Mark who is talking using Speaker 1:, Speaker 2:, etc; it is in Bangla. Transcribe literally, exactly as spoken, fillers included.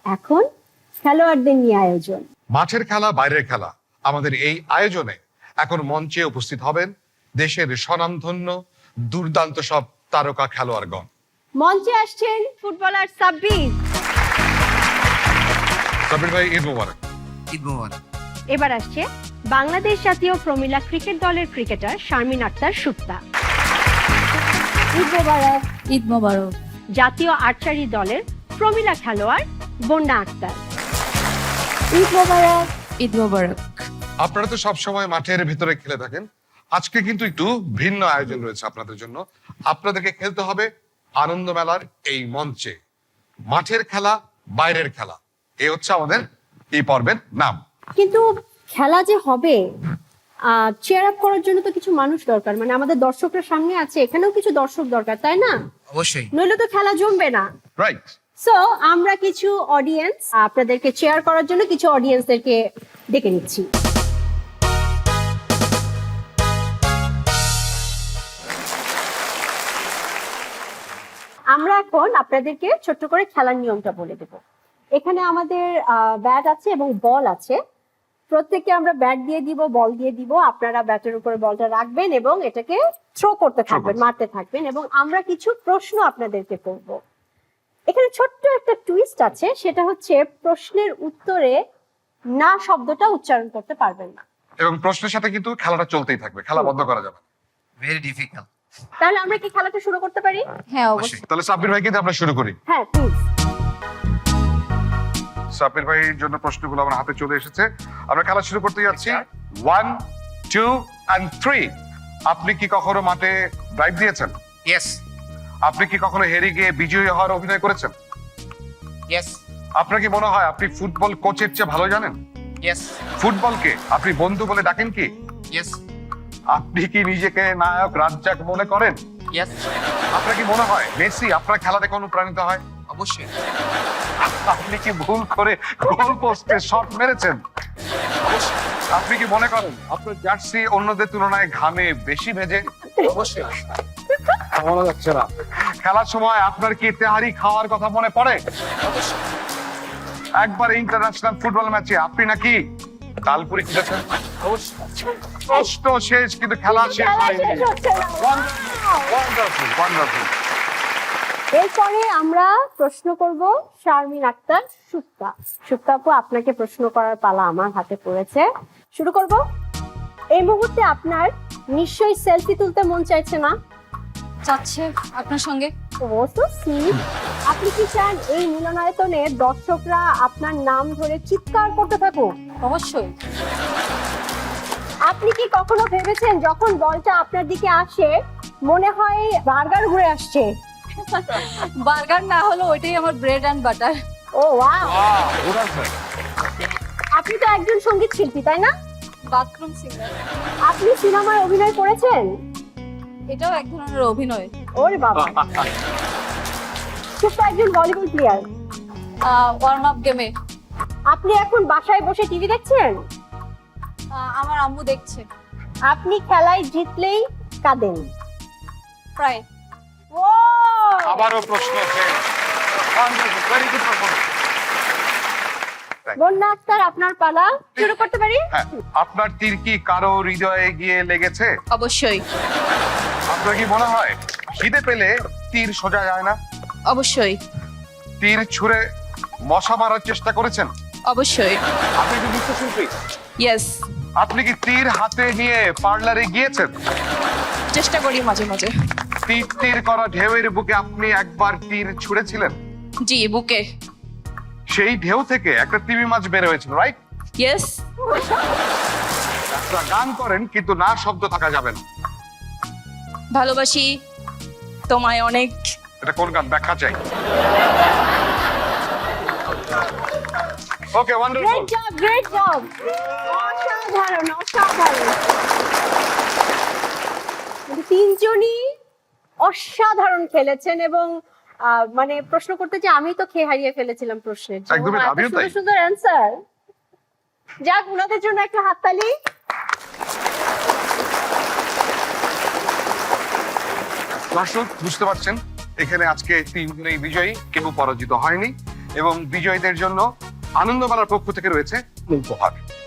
Speaker 1: এখন খেলোয়াড়দের নিয়ে আয়োজন।
Speaker 2: মাঠের খেলা বাইরের খেলা, আমাদের এই আয়োজনে এখন মঞ্চে উপস্থিত হবেন দেশের স্বনামধন্য দুর্দান্ত সব তারকা খেলোয়াড়গণ।
Speaker 1: মঞ্চে আসছেন ফুটবলার সাব্বির।
Speaker 2: সাব্বির ভাই, ঈদ মোবারক।
Speaker 3: ঈদ মোবারক।
Speaker 1: এবার আসছে বাংলাদেশ জাতীয় প্রমিলা ক্রিকেট দলের ক্রিকেটার শারমিন আক্তার সুক্তা। ঈদ মোবারক।
Speaker 4: ঈদ মোবারক।
Speaker 1: জাতীয় আর্চারি দলের প্রমিলা খেলোয়াড় বন্যা আক্তার। ঈদ মোবারক।
Speaker 4: ঈদ মোবারক।
Speaker 2: আপনারা তো সব সময় মাঠের ভিতরে খেলে থাকেন, আজকে কিন্তু একটু ভিন্ন আয়োজন রয়েছে আপনাদের জন্য। আপনাদেরকে খেলতে হবে আনন্দ মেলার এই মঞ্চে, মাঠের খেলা বাইরের খেলা। এই হচ্ছে আমাদের এই পর্বের নাম।
Speaker 1: কিন্তু খেলা যে হবে, চেয়ার আপ করার জন্য তো কিছু মানুষ দরকার, মানে আমাদের দর্শকরা সামনে আছে, এখানেও কিছু দর্শক দরকার, তাই না?
Speaker 3: অবশ্যই।
Speaker 1: নইলে তো খেলা জমবে না।
Speaker 2: রাইট।
Speaker 1: সো আমরা কিছু অডিয়েন্স, আপনাদেরকে চেয়ার করার জন্য কিছু অডিয়েন্সদেরকে ডেকে নিচ্ছি। আমরা এখন আপনাদেরকে ছোট্ট করে খেলার নিয়মটা বলে দেব। এখানে আমাদের ব্যাট আছে এবং বল আছে। প্রত্যেককে আমরা ব্যাট দিয়ে দিব, বল দিয়ে দিব। আপনারা ব্যাটের উপরে বলটা রাখবেন এবং এটাকে থ্রো করতে থাকবেন, মারতে থাকবেন, এবং আমরা কিছু প্রশ্ন আপনাদেরকে করব। এখানে ছোট্ট একটা টুইস্ট আছে, সেটা হচ্ছে প্রশ্নের উত্তরে না শব্দটা উচ্চারণ করতে পারবেন না।
Speaker 2: এবং প্রশ্নের সাথে কিন্তু খেলাটা চলতেই থাকবে, খেলা বন্ধ করা যাবে না।
Speaker 3: Very difficult.
Speaker 1: তাহলে আমরা কি খেলাটা শুরু করতে পারি?
Speaker 4: হ্যাঁ অবশ্যই।
Speaker 2: তাহলে সাব্বির ভাই কিন্তু আমরা শুরু করি।
Speaker 1: হ্যাঁ প্লিজ।
Speaker 2: সাব্বির ভাইয়ের জন্য প্রশ্নগুলো আমার হাতে চলে এসেছে, আমরা খেলা শুরু করতে যাচ্ছি। One, two and three. আপনি কি কখনো মাঠে ড্রাইভ দিয়েছেন?
Speaker 3: ইয়েস।
Speaker 2: আপনি কি কখনো হেরে গিয়ে বিজয়ী হওয়ার অভিনয় করেছেন?
Speaker 3: ইয়েস।
Speaker 2: আপনার কি মনে হয় আপনি ফুটবল কোচের চেয়ে ভালো জানেন?
Speaker 3: ইয়েস।
Speaker 2: ফুটবলকে আপনি বন্ধু বলে ডাকেন কি?
Speaker 3: ইয়েস।
Speaker 2: আপনি কি নিজেকে নায়ক রাজ্জাক মনে করেন?
Speaker 3: ইয়েস।
Speaker 2: আপনার কি মনে হয় মেসি আপনার খেলা দেখে অনুপ্রাণিত হয়?
Speaker 3: অবশ্যই।
Speaker 2: আপনি কি ভুল করে গোল পোস্টে শট মেরেছেন? আপনি কি মনে করেন আপনার জার্সি অন্যদের তুলনায় ঘামে বেশি ভেজে?
Speaker 3: অবশ্যই।
Speaker 2: মনে যাচ্ছে না। খেলার সময় আপনার কি তেহারি খাওয়ার কথা মনে পড়ে? একবার ইন্টারন্যাশনাল ফুটবল ম্যাচে আপনি নাকি তালপুরি খেলেছেন? কষ্ট শেষ কিন্তু খেলা শেষ হয়নি। Wonderful, wonderful.
Speaker 1: এরপরে আমরা প্রশ্ন করব শারমিন আক্তার সুক্তা। সুক্তা আপু, আপনাকে প্রশ্ন করার পালা আমার হাতে পড়েছে। শুরু করব। এই মুহূর্তে আপনার নিশ্চয়ই সেলফি তুলতে মন চাইছে না?
Speaker 4: চাচ্ছে আপনার সঙ্গে।
Speaker 1: Oh so sweet. আপনি কি চান এই মিলনায়তনে দর্শকরা আপনার নাম ধরে চিৎকার করতে থাকুক?
Speaker 4: অবশ্যই।
Speaker 1: আপনি কি কখনো ভেবেছেন যখন বলটা আপনার দিকে আসে মনে হয় বার্গার ঘুরে আসছে?
Speaker 4: বার্গার না হলো ওইটাই আমার bread and butter.
Speaker 1: Oh wow. আপনি তো একজন সঙ্গীত শিল্পী, তাই না?
Speaker 4: Bathroom singer.
Speaker 1: আপনি সিনেমায় অভিনয় করেছেন?
Speaker 4: এটাও এক ধরনের অভিনয়।
Speaker 1: ওরে বাবা। সুক্তা একজন ভলিবল প্লেয়ার।
Speaker 4: ওয়ার্ম আপ গেমে।
Speaker 1: আপনি এখন বাসায় বসে টিভি দেখছেন?
Speaker 4: আমার আম্মু দেখছে।
Speaker 1: আপনি খেলায় জিতলেই কাঁদেন?
Speaker 4: প্রায়।
Speaker 1: ও
Speaker 2: আবারও প্রশ্ন আছে। Very good performance.
Speaker 1: Bonna Akter, আপনার পালা। শুরু করতে পারি?
Speaker 2: হ্যাঁ, আপনার তীর কি কারো হৃদয়ে গিয়ে লেগেছে?
Speaker 4: অবশ্যই।
Speaker 2: আপনার কি মনে হয় খিদে পেলে তীর সোজা যায় না?
Speaker 4: অবশ্যই।
Speaker 2: তীর ছুঁড়ে মশা মারার চেষ্টা করেছেন?
Speaker 4: অবশ্যই।
Speaker 2: আপনি কি নৃত্যশিল্পী?
Speaker 4: ইয়েস।
Speaker 2: আপনি কি তীর হাতে নিয়ে পার্লারে গিয়েছেন?
Speaker 4: চেষ্টা করি মাঝে মাঝে।
Speaker 2: তীর তীর করা ঢেউয়ের বুকে আপনি একবার তীর ছুঁড়েছিলেন?
Speaker 4: জি, বুকে।
Speaker 2: সেই ঢেউ থেকে একটা তিমি মাছ বের হয়েছিল, রাইট?
Speaker 4: ইয়েস।
Speaker 2: একটা গান করেন কিন্তু না শব্দ থাকা যাবে না।
Speaker 4: ভালোবাসি তোমায় অনেক।
Speaker 2: এটা কোন গান? ব্যাখ্যা চাই। Okay, wonderful.
Speaker 1: Great job, great job. অসাধারণ, অসাধারণ। তিনজনই অসাধারণ খেলেছেন এবং আহ, মানে প্রশ্ন করতে যে আমি তো খেয়ে হারিয়ে ফেলেছিলাম প্রশ্নের জন্য।
Speaker 2: একদমই,
Speaker 1: এত
Speaker 2: আমিও তাই।
Speaker 1: সুন্দর সুন্দর অ্যান্সার। যাক, ওনাদের জন্য একটা হাততালি।
Speaker 2: দর্শক বুঝতে পারছেন এখানে আজকে তিনজনেই বিজয়ী, কেউ পরাজিত হয়নি। এবং বিজয়ীদের জন্য আনন্দমেলার পক্ষ থেকে রয়েছে উপহার।